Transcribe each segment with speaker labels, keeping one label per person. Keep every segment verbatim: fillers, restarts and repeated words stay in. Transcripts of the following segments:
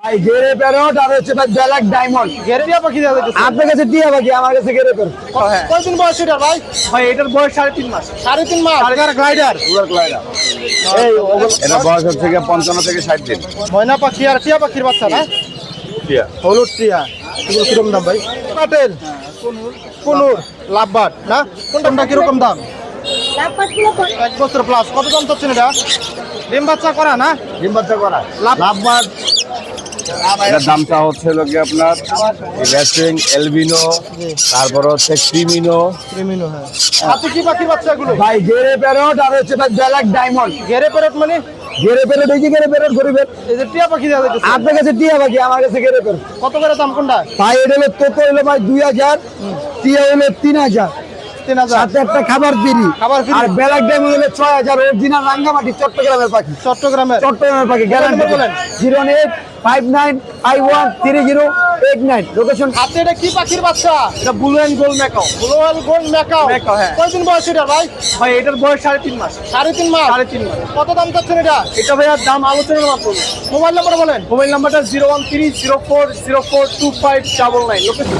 Speaker 1: ভাই grey parrot আর হচ্ছে ভাই ব্ল্যাক ডায়মন্ড।
Speaker 2: গেরে টিয়া পাখি দেওয়া যাচ্ছে।
Speaker 1: আপনার কাছে টিয়া পাখি, আমার কাছে গেরে প্যারট।
Speaker 2: কয়দিন বয়স এটা ভাই?
Speaker 1: ভাই এটার বয়স সাড়ে তিন মাস।
Speaker 2: সাড়ে তিন মাস। আর গ্লাইডার
Speaker 1: এই এটা বয়স হচ্ছে গিয়ে পঞ্চান্ন থেকে ষাট দিন।
Speaker 2: ময়না পাখি আর টিয়া পাখির বাচ্চা না?
Speaker 1: টিয়া
Speaker 2: হলুদ টিয়া। এগুলো কিরকম দাম ভাই? কাটেল কুনুর লাভবাট না? কোনটা কিরকম দাম? এক বছর প্লাস। কত দাম চাচ্ছেন এটা? ডিম বাচ্চা করা না?
Speaker 1: ডিম বাচ্চা করা
Speaker 2: লাভ-
Speaker 1: লাভবাদ। এটার দামটা হচ্ছে লোকে আপনার রেসিং এলবিনো, তারপর হচ্ছে ক্রিমিনো।
Speaker 2: ক্রিমিনো। হ্যাঁ, হাতে কি পাখির বাচ্চা এগুলো?
Speaker 1: ভাই গেরে প্যারট আর হচ্ছে ভাই ব্ল্যাক ডায়মন্ড।
Speaker 2: গেরে প্যারট মানে?
Speaker 1: গেরে প্যারট এই যে গেরে প্যারট গরিবের।
Speaker 2: এই যে টিয়া পাখি দেওয়া যাচ্ছে।
Speaker 1: আপনার কাছে টিয়া পাখি, আমার কাছে গেরে প্যারট।
Speaker 2: কত করে দাম কোনটা?
Speaker 1: ভাই এটা হলো তোতো হলো ভাই দুই হাজার, টিয়া হলো তিন হাজার,
Speaker 2: তিন হাজার।
Speaker 1: সাথে একটা খাবার ফ্রি।
Speaker 2: খাবার free।
Speaker 1: আর ব্ল্যাক ডায়মন্ড হলো ছয় হাজার। অরিজিনাল রাঙ্গামাটি চট্টগ্রামের পাখি।
Speaker 2: চট্টগ্রামের।
Speaker 1: চট্টগ্রামের পাখি গ্যারান্টি
Speaker 2: নম্বর বলেন।
Speaker 1: Zero eight five nine five one three zero eight nine. Location
Speaker 2: হাতে এটা কি পাখির বাচ্চা?
Speaker 1: এটা blue and gold macaw.
Speaker 2: Blue and gold macaw.
Speaker 1: Macaw, হ্যাঁ।
Speaker 2: কয়দিন বয়স এটা ভাই?
Speaker 1: ভাই এটার বয়স সাড়ে তিন মাস।
Speaker 2: সাড়ে তিন মাস।
Speaker 1: সাড়ে তিন মাস।
Speaker 2: কত দাম চাচ্ছেন এটা?
Speaker 1: এটা ভাইয়ার দাম আলোচনার মাত্র।
Speaker 2: মোবাইল নাম্বার বলেন।
Speaker 1: মোবাইল নাম্বারটা zero one three zero four zero four two five double nine. Location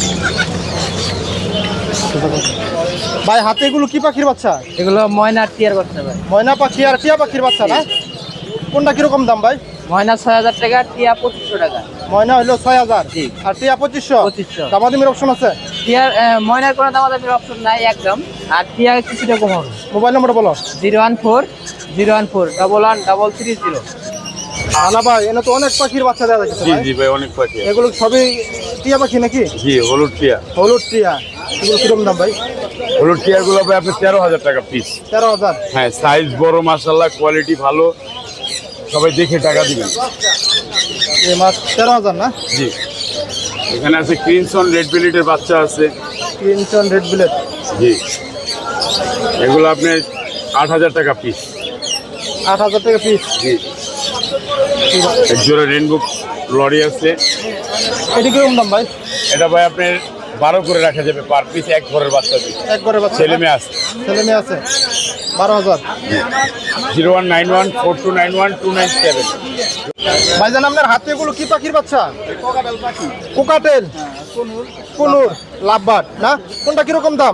Speaker 2: ভাই হাতে এগুলো কি পাখির বাচ্চা?
Speaker 3: এগুলো ময়না টিয়ার বাচ্চা ভাই।
Speaker 2: ময়না পাখি আর টিয়া পাখির বাচ্চা না? কোনটা কিরকম দাম ভাই?
Speaker 3: ময়না ছয় হাজার টাকা, টিয়া পঁচিশশো টাকা।
Speaker 2: ময়না হলো ছয় হাজার
Speaker 3: জি।
Speaker 2: আর টিয়া পঁচিশশো।
Speaker 3: পঁচিশশো।
Speaker 2: দামাদামির অপশন আছে?
Speaker 3: টিয়ার আহ, ময়নার কোনো দামাদামির অপশন নাই একদম, আর টিয়া কিছুটা কম হবে।
Speaker 2: মোবাইল নাম্বার বলো।
Speaker 3: Zero one four zero one four double one double three zero.
Speaker 2: আনা ভাই এনে তো অনেক পাখির বাচ্চা দেওয়া যাচ্ছে
Speaker 4: জি
Speaker 2: ভাই।
Speaker 4: জি ভাই, অনেক পাখি আছে।
Speaker 2: এগুলো সবই টিয়া পাখি নাকি?
Speaker 4: জি, হলুদ টিয়া।
Speaker 2: হলুদ টিয়া। এগুলো কিরকম দাম ভাই?
Speaker 4: হলুদ টিয়া গুলো ভাই আপনার তেরো হাজার টাকা পিস।
Speaker 2: তেরো হাজার।
Speaker 4: হ্যাঁ, সাইজ বড়, মাশাআল্লাহ, কোয়ালিটি ভালো, সবাই দেখে টাকা দিবেন।
Speaker 2: এই মাছ তেরো হাজার না?
Speaker 4: জি, এখানে আছে ক্রিনসন রেড বিলিটের বাচ্চা আছে।
Speaker 2: Crimson red বিলেট।
Speaker 4: জি, এগুলো আপনার আট হাজার টাকা পিস।
Speaker 2: আট হাজার টাকা পিস।
Speaker 4: জি, এক জোড়া রেনবো লরি আছে।
Speaker 2: এটি কিরকম দাম ভাই?
Speaker 4: এটা ভাই আপনার বারো করে রাখা যাবে পার পিস, এক ঘরের বাচ্চা পিস।
Speaker 2: এক করে বাচ্চা।
Speaker 4: ছেলে মেয়ে আছে।
Speaker 2: ছেলে মেয়ে আছে। বারো হাজার।
Speaker 4: Zero one nine one four two nine one two nine seven.
Speaker 2: ভাইজান আপনার হাতে এগুলো কি পাখির বাচ্চা? কোকাটেল। কুনুর লাভবাট না? কোনটা কিরকম দাম?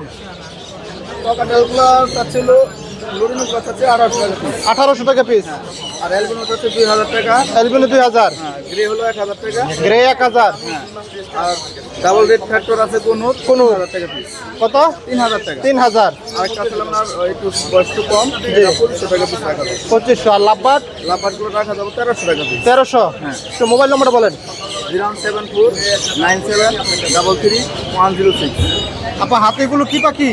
Speaker 2: আঠারোশো টাকা পিস।
Speaker 1: আর এলবিনো হচ্ছে দুই হাজার টাকা।
Speaker 2: এলবিনো দুই হাজার।
Speaker 1: গ্রে হলো এক হাজার টাকা।
Speaker 2: গ্রে এক হাজার।
Speaker 1: আর ডাবল রেড ফ্যাক্টর আছে কোনুর
Speaker 2: কুনুর
Speaker 1: হাজার টাকা পিস।
Speaker 2: কত?
Speaker 1: তিন হাজার টাকা।
Speaker 2: তিন হাজার।
Speaker 1: আর একটা ছিল আপনার একটু বয়স একটু কম, এটা পঁচিশশো টাকা পিস রাখা যাবে।
Speaker 2: পঁচিশশো। আর লাভবাট
Speaker 1: লাফাট গুলো রাখা যাবে তেরোশো টাকা পিস।
Speaker 2: তেরোশো। তো মোবাইল নম্বর বলেন।
Speaker 1: Zero seven four nine seven double three one zero six.
Speaker 2: আপনার হাতে এগুলো কি পাখি?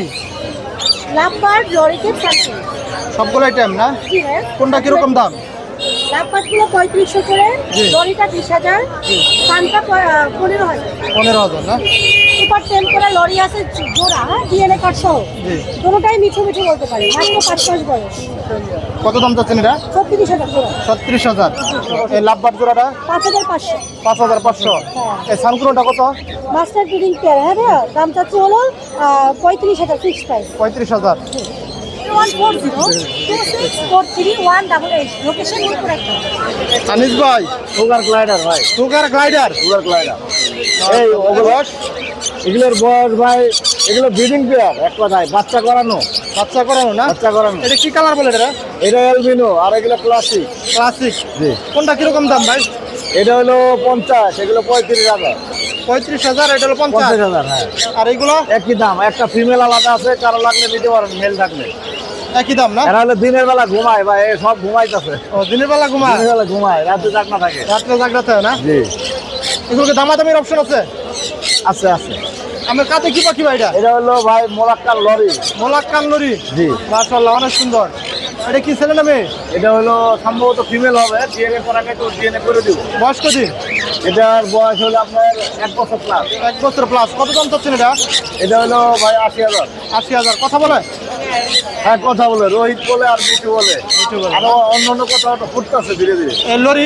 Speaker 5: লাভবার্ড লরিকে থাকে।
Speaker 2: সবগুলো আইটেম না?
Speaker 5: জি ভাই।
Speaker 2: কোনটা কিরকম দাম?
Speaker 5: লাভবার্ডগুলো পঁয়ত্রিশশো করে,
Speaker 2: জি।
Speaker 5: লরিটা বিশ হাজার, পানটা পনেরো হাজার।
Speaker 2: পনেরো হাজার না?
Speaker 5: সুপার টেন করে লরি আছে জোড়া, হ্যাঁ ডিএনএ কার্ড সহ।
Speaker 2: জি।
Speaker 5: দুটোটাই মিঠু মিঠু বলতে পারি, মাত্র পাঁচ মাস বয়স।
Speaker 2: কত দাম চাচ্ছেন এটা?
Speaker 5: ছত্রিশ হাজার জোড়া।
Speaker 2: ছত্রিশ হাজার। এই লাভবাট জোড়াটা?
Speaker 5: পাঁচ হাজার পাঁচশো।
Speaker 2: পাঁচ হাজার পাঁচশো। এই সানকুনোটা কত?
Speaker 5: মাস্টার ব্রিডিং পেয়ার, হ্যাঁ ভাইয়া দাম চাচ্ছি হলো পঁয়ত্রিশ হাজার ফিক্স প্রাইস।
Speaker 2: পঁয়ত্রিশ হাজার।
Speaker 5: One four zero two six four three one double eight. Location note করে রাখবেন।
Speaker 2: আনিস ভাই,
Speaker 1: সুগার গ্লাইডার ভাই,
Speaker 2: সুগার গ্লাইডার।
Speaker 1: Sugar glider. এই ওগুলো এগুলোর বয়স ভাই, এগুলো ব্রিডিং পেয়ার, এক কথায় বাচ্চা করানো।
Speaker 2: বাচ্চা করানো না?
Speaker 1: বাচ্চা করানো।
Speaker 2: এটা কি কালার বলে এটা?
Speaker 1: এটা এলবিনো আর এগুলো ক্লাসিক।
Speaker 2: ক্লাসিক।
Speaker 1: জি।
Speaker 2: কোনটা কিরকম দাম ভাই?
Speaker 1: এটা হলো পঞ্চাশ, এগুলো পঁয়ত্রিশ হাজার।
Speaker 2: পঁয়ত্রিশ হাজার, এটা হলো পঞ্চাশ।
Speaker 1: পঞ্চাশ হাজার, হ্যাঁ।
Speaker 2: আর এইগুলো?
Speaker 1: একই দাম, একটা ফিমেল আলাদা আছে, কারো লাগলে নিতে পারেন মেল থাকলে।
Speaker 2: একই দাম না?
Speaker 1: এরা হলো দিনের বেলা ঘুমায় ভাই, এ সব ঘুমাইতেছে।
Speaker 2: ও দিনের বেলা ঘুমায়,
Speaker 1: দিনের বেলা ঘুমায়, রাতে জাগনা থাকে।
Speaker 2: রাত্রে জাগ্রত হয় না?
Speaker 1: জি,
Speaker 2: এগুলোকে দামাদামির অপশন আছে?
Speaker 1: আছে আছে।
Speaker 2: আমার কাছে কি পাখি ভাই এটা?
Speaker 1: এটা হলো ভাই মোলাক্কার লরি।
Speaker 2: মোলাক্কান লরি।
Speaker 1: জি।
Speaker 2: মাশাআল্লাহ, অনেক সুন্দর। এটা কি ছেলে না মেয়ে?
Speaker 1: এটা হলো সম্ভবত ফিমেল হবে, ডিএনএ করাকে তো ডিএনএ করে দিব।
Speaker 2: বয়স কদিন?
Speaker 1: এটার বয়স হলো আপনার এক বছর প্লাস।
Speaker 2: এক বছর প্লাস। কত দাম চাচ্ছেন এটা?
Speaker 1: এটা হলো ভাই আশি হাজার।
Speaker 2: আশি হাজার। কথা বলে?
Speaker 1: হ্যাঁ কথা বলে, রোহিত বলে আর মিঠু বলে। আরো অন্য অন্য কথা ফুটতেছে ধীরে ধীরে।
Speaker 2: এই লরি?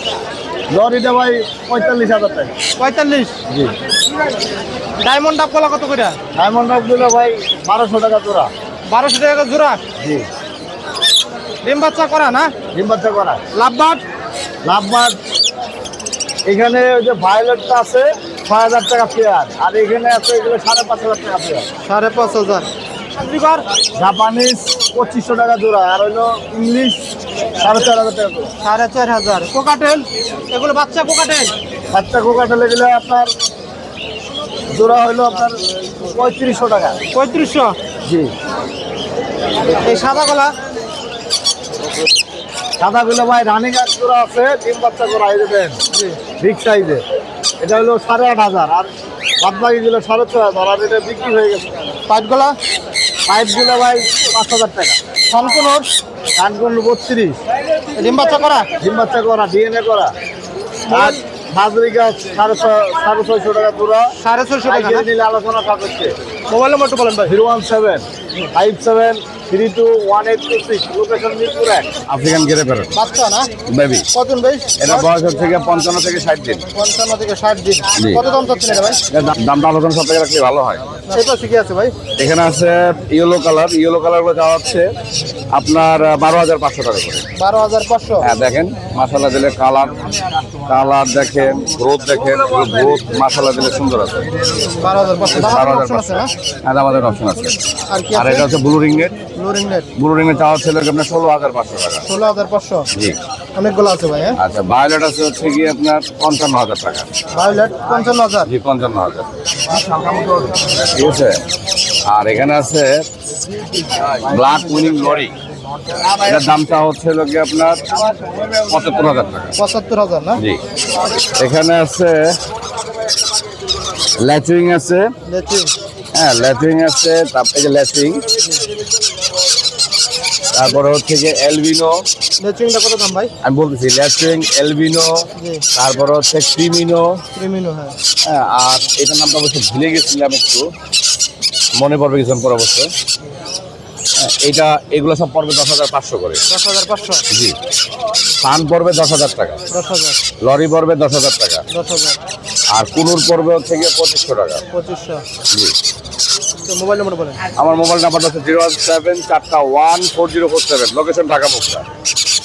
Speaker 1: লরিটা ভাই পঁয়তাল্লিশ হাজার টাকা।
Speaker 2: পঁয়তাল্লিশ।
Speaker 1: জি।
Speaker 2: ডায়মন্ড ডাব কলা কত করে?
Speaker 1: ডায়মন্ড রকগুলো ভাই বারোশো টাকা জোড়া।
Speaker 2: বারোশো টাকা জোড়া।
Speaker 1: জি।
Speaker 2: ডিম বাচ্চা করা না?
Speaker 1: ডিম বাচ্চা করা।
Speaker 2: লাভবাট?
Speaker 1: লাভবাদ এখানে ওই যে ভায়োলেটটা আছে ছয় হাজার টাকা পেয়ার, আর এখানে আছে এগুলো সাড়ে পাঁচ হাজার টাকা পেয়ার।
Speaker 2: সাড়ে পাঁচ হাজার।
Speaker 1: জাপানিজ পঁচিশশো টাকা জোড়া, আর হইলো ইংলিশ সাড়ে চার হাজার টাকা জোড়া।
Speaker 2: সাড়ে চার হাজার। কোকাটেল এগুলো বাচ্চা কোকাটেল
Speaker 1: বাচ্চা কোকাটেল এগুলো আপনার জোড়া হইলো আপনার পঁয়ত্রিশশো টাকা।
Speaker 2: পঁয়ত্রিশশো।
Speaker 1: জি।
Speaker 2: এই সাদা গলা
Speaker 1: সাদাগুলো ভাই রানিং এক জোড়া আছে, তিন বাচ্চা করা এই দেবেন বিগ সাইজে, এটা হলো সাড়ে আট হাজার, আর বাদ বাকিগুলো সাড়ে ছয় হাজার, আর এটা বিক্রি হয়ে গেছে।
Speaker 2: পাইপ গলা
Speaker 1: পাইপগুলো ভাই পাঁচ হাজার টাকা।
Speaker 2: সম্পূর্ণ
Speaker 1: কানকুন বত্রিশ,
Speaker 2: ডিম বাচ্চা করা
Speaker 1: ডিম বাচ্চা করা, ডিএনএ করা। আর বাজরি গাছ সাড়ে ছয় সাড়ে ছয়শো টাকা পুরো।
Speaker 2: সাড়ে ছয়শো টাকা না?
Speaker 1: নিলে আলোচনা সাপেক্ষে।
Speaker 2: মোবাইল নম্বর একটু বলেন ভাই।
Speaker 1: Zero one seven five seven three two one eight two six, location Mirpur এক। আফ্রিকান গেরে প্যারট
Speaker 2: বাচ্চা না?
Speaker 1: বেবি।
Speaker 2: কতদিন ভাই?
Speaker 1: এটা বয়স হচ্ছে গিয়ে পঞ্চান্ন থেকে ষাট দিন।
Speaker 2: পঞ্চান্ন থেকে ষাট দিন।
Speaker 1: জি।
Speaker 2: কত দাম চাচ্ছেন এটা ভাই?
Speaker 1: এর দাম- দামটা আলোচনা সব থেকে রাখলে ভালো হয়।
Speaker 2: এটা শিখে আছে ভাই।
Speaker 1: এখানে আছে ইয়েলো কালার, ইয়েলো কালার গুলো যাওয়া হচ্ছে আপনার বারো হাজার পাঁচশো টাকা করে।
Speaker 2: বারো হাজার পাঁচশো।
Speaker 1: হ্যাঁ দেখেন মাসালা দিলে কালার, কালার দেখেন, গ্রোথ দেখেন, গ্রোথ মাসালা দিলে সুন্দর আছে।
Speaker 2: বারো হাজার পাঁচশো।
Speaker 1: বারো হাজার
Speaker 2: অপশন আছে না?
Speaker 1: হ্যাঁ আমাদের অপশন আছে।
Speaker 2: আর কি
Speaker 1: আর
Speaker 2: আছে?
Speaker 1: এটা হচ্ছে blue ring net,
Speaker 2: blue ring net
Speaker 1: blue ring net চাওয়া হচ্ছে আপনার ষোলো হাজার পাঁচশো টাকা।
Speaker 2: ষোলো হাজার পাঁচশো।
Speaker 1: জি।
Speaker 2: অনেকগুলো আছে ভাই। হ্যাঁ
Speaker 1: আচ্ছা ভায়োলেট আছে হচ্ছে গিয়ে আপনার পঞ্চান্ন হাজার টাকা।
Speaker 2: ভায়োলেট পঞ্চান্ন হাজার।
Speaker 1: জি পঞ্চান্ন হাজার, ঠিক আছে। আর এখানে আছে ব্ল্যাক উইনিং লরি, এটার দামটা হচ্ছে হলো গিয়ে আপনার পঁচাত্তর হাজার টাকা।
Speaker 2: পঁচাত্তর হাজার না?
Speaker 1: জি। এখানে আছে ল্যাচিং আছে,
Speaker 2: দেখি
Speaker 1: হ্যাঁ ল্যাচিং আছে, তারপরে যে ল্যাচিং, তারপরে হচ্ছে যে এলবিনো,
Speaker 2: লেচিংটা কত দাম ভাই?
Speaker 1: আমি বলতেছি ল্যাচিং, এলবিনো,
Speaker 2: জি।
Speaker 1: তারপরে হচ্ছে ক্রিমিনো,
Speaker 2: ক্রিমিনো। হ্যাঁ
Speaker 1: হ্যাঁ। আর এটার নামটা অবশ্য ভুলে গেছিলাম, একটু মনে পড়বে কিছুক্ষণ পর অবশ্য। হ্যাঁ, এইটা এগুলো সব পড়বে দশ হাজার পাঁচশো করে।
Speaker 2: দশ হাজার পাঁচশো।
Speaker 1: জি। পান পড়বে দশ হাজার টাকা,
Speaker 2: দশ হাজার।
Speaker 1: লরি পড়বে দশ হাজার টাকা,
Speaker 2: দশ হাজার।
Speaker 1: আর কুনুর পড়বে হচ্ছে গিয়ে পঁচিশশো টাকা।
Speaker 2: পঁচিশশো।
Speaker 1: জি।
Speaker 2: তো মোবাইল নম্বর বলেন।
Speaker 1: আমার মোবাইল নাম্বারটা হচ্ছে জিরো ওয়ান সেভেন চারটা one four zero four seven, location Dhaka মুক্তা।